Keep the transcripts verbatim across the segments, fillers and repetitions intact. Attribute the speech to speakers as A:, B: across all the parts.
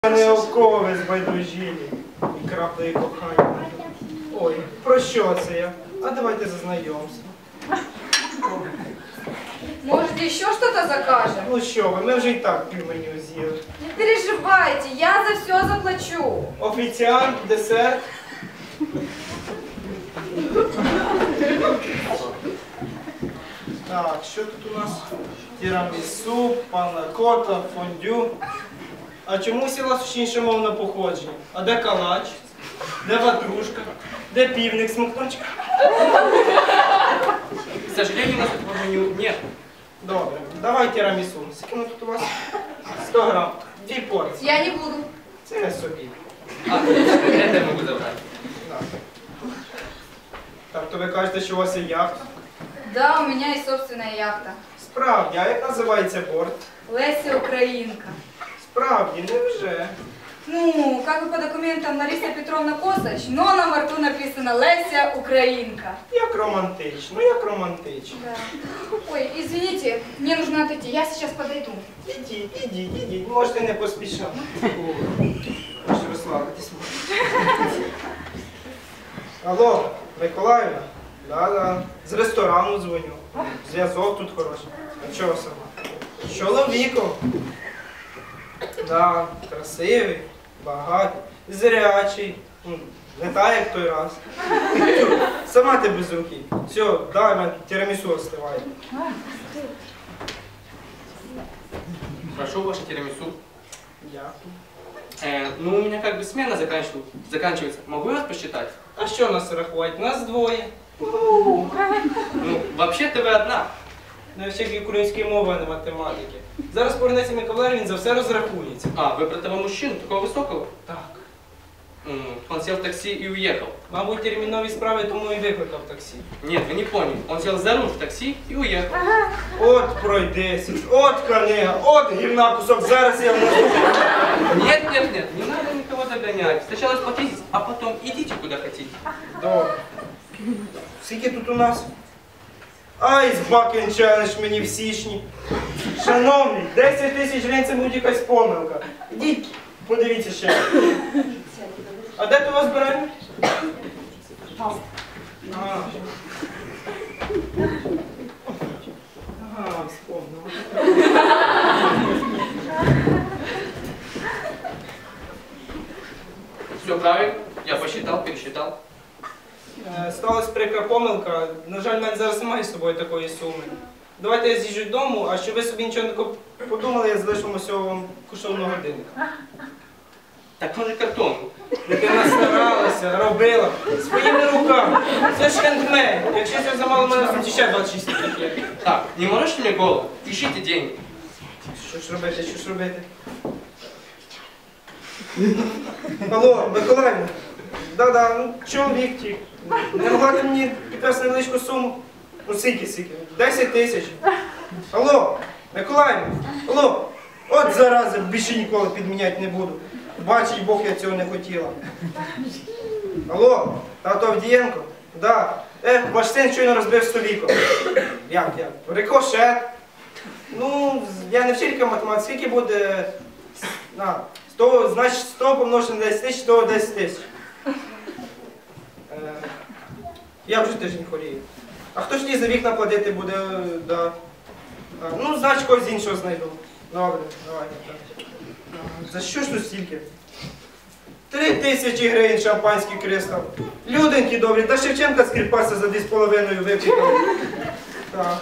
A: Не окови збайдужілі і краплею кохання. Ой, про що це я? А давайте зазнайомся.
B: Может, еще что-то закажем?
A: Ну що ви, ми вже і так півменю з'їли.
B: Не переживайте, я за все заплачу.
A: Офіціант, десерт. Так, що тут у нас? Тірамісу, панакота, фондю. А чому всі у вас інше мовне походження? А де калач? Де ватрушка? Де півник смокточка?
C: К сожалению, у нас этого меню нет.
A: Добре, давай тірамісу. Скільки воно тут у вас? сто грам. Дві порції.
B: Я не буду.
A: Це не собі.
C: А, это я могу забрать.
A: Так. Так, то ви кажете, що у вас є яхта?
B: Да, у меня есть собственная яхта.
A: Справді, а як називається борт?
B: Леся Украинка.
A: Справді, невже?
B: Ну, как бы по документам Лариса Петровна Косач, но на борту написано Леся Украинка.
A: Як романтично, як романтично.
B: Да. Ой, извините, мне нужно отойти, я сейчас подойду.
A: Ідіть, ідіть, ідіть, можете не поспішати. Можете розслабитись. Алло, Миколаївна? Да-да. З ресторану дзвоню. Зв'язок тут хороший. А чого сама? Чоловіком. Да, красивий, багатий, зрячий. Ну, не так, як той раз. Сама ти без руки. Все, дай мене тірамісу остивай.
C: Прошу ваше тирамису.
A: Дякую.
C: Э, ну, у меня как бы смена заканчивается. заканчивается. Могу я вас посчитать?
A: А що нас рахувати? Нас двоє.
C: Ну, вообще-то вы одна.
A: Не вчить української мови, а не математики. Зараз повернеться Миколай, він за все розрахується.
C: А, вы про того мужчину, такого высокого?
A: Так.
C: М, Он сел в такси и уехал.
A: Мабуть, термінові справи, тому і викликав таксі.
C: Нет, вы не поняли. Он сел за руль в такси и уехал.
A: От пройдеться, от книга, от гівна кусок, зараз я внесу.
C: Нет, нет, нет, не надо никого догонять. Сначала сплотитесь, а потом идите куда хотите.
A: Добре. Скільки тут у нас? Айс Бакен челендж мені в січні. Шановний, десять тисяч гривень це буде якась помилка. Ідіть, подивіться ще. А де ти вас беремо? А. Ага, вспомнила.
C: Все правильно, я посчитал, пересчитал.
A: Е, Сталась прикра помилка. На жаль, в мене зараз немає з собою такої суми. Давайте я з'їжджу додому, а щоб ви собі нічого не коп- подумали, я залишу вам усього вам коштовного годинника.
C: Так он же картон.
A: Дитина старалася, робила своїми руками. Це ж хендмейд. Якщо це замало, мене в суті ще двадцять шість таких є.
C: Так, не морочьте мне голову, ищите деньги.
A: Що ж робити, що ж робити? Алло, Миколаївна. Да-да, ну чоловік тік. Не могла ти мені підвести невеличку суму? Ну скільки, скільки? Десять тисяч. Алло, Миколаївна, алло. От зараза, більше ніколи підміняти не буду. Бачить Бог, я цього не хотіла. Алло, тато Авдієнко? Да. Ех, ваш син щойно розбив століко. Як, як? Рикошет. Ну, я не вчителька математики, скільки буде? На, сто, значить сто помножити на десять тисяч, то десять тисяч. Е, я вже тиждень хворію. А хто ж ті за вікна платити буде? Да. А, ну, значить когось іншого знайду. Добре, давай. Так. А, за що ж тут стільки? Три тисячі гривень шампанський кристал. Люденькі добрі, та Шевченка скріпася за дві з половиною випікали. Так.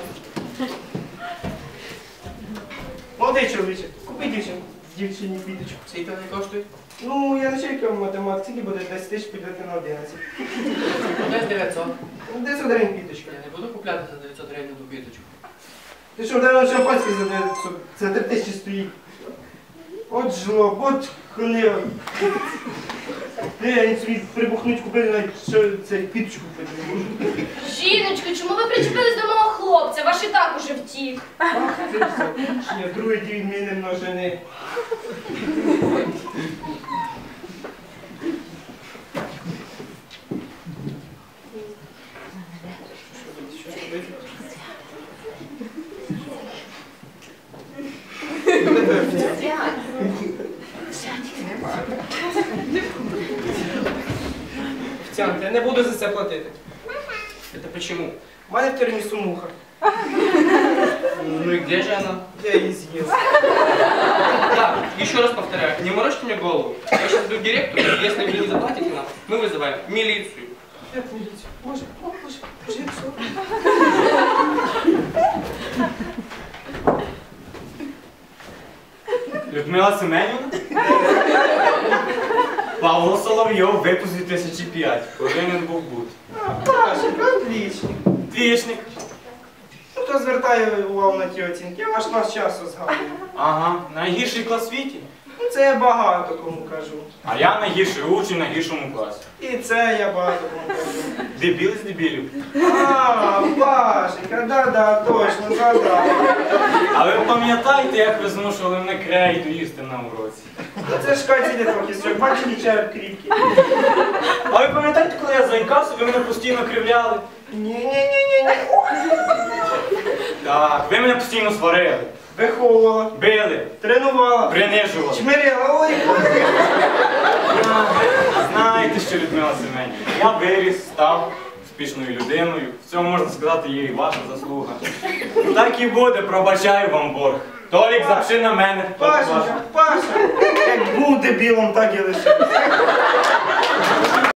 A: Молодий чоловіче, купи дівчинку. Дівчині квіточку.
C: Сколько они коштуют?
A: Ну, я началька математики, скільки буде десять тисяч підняти на одинадцять.
C: Десь дев'ятсот.
A: дев'ятсот гривень квіточка.
C: Я не буду купляти за дев'ятсот гривень одну квіточку.
A: Ти що, де шампанське за дев'ятсот? За три тисячі стоїть. От жлоб, от хлева. Де, я собі прибухнуть купити навіть що це квіточку купити.
D: Жіночко, чому ви причепились до мого хлопця? Ваш і так уже втік.
A: Ах, ти закінчення, другий дій міни множини. Що робити? Офіціант, я не буду за це платити.
C: Это почему?
A: У мене в термісу муха.
C: Ну и где же она?
A: Я її з'їв.
C: Так, еще раз повторяю, не морочьте мне голову. Я сейчас иду к директору, и если вы не заплатите нам, мы вызываем милицию.
A: Як міліцію? Боже, о, боже, боже, як все.
E: Людмила Семенівна? Павло Соловйов, випуск дві тисячі п'ять. Повинен був бути.
A: Пашенька, отлично.
E: Двічник.
A: Ну, хто звертає увагу на ті оцінки? Я ваш клас часу згадую.
E: Ага, найгірший клас в світі.
A: Ну, це я багато кому кажу.
E: А я найгірший учень в найгіршому класі.
A: І це я багато кому кажу.
E: Дебіл з дебілів.
A: А, Пашенька, да-да, точно, згадав.
E: А ви пам'ятаєте, як ви змушували мене крейду їсти на уроці?
A: Ну, це ж Катя трохи строк, бачиш, череп кріпкий.
E: А ви пам'ятаєте, коли я заїкався, ви мене постійно кривляли?
A: Ні-ні-ні-ні-ні.
E: Так, ви мене постійно сварили,
A: Виховувала,
E: били,
A: тренувала,
E: принижували.
A: чмирила, ой, ой.
E: Знаєте що, Людмила Семенівна, я виріс, став успішною людиною. В цьому, можна сказати, є і ваша заслуга. Так і буде, пробачаю вам борг. Толік, запши на мене.
A: Пашенька, Паша, як був дебілом, так і лишився.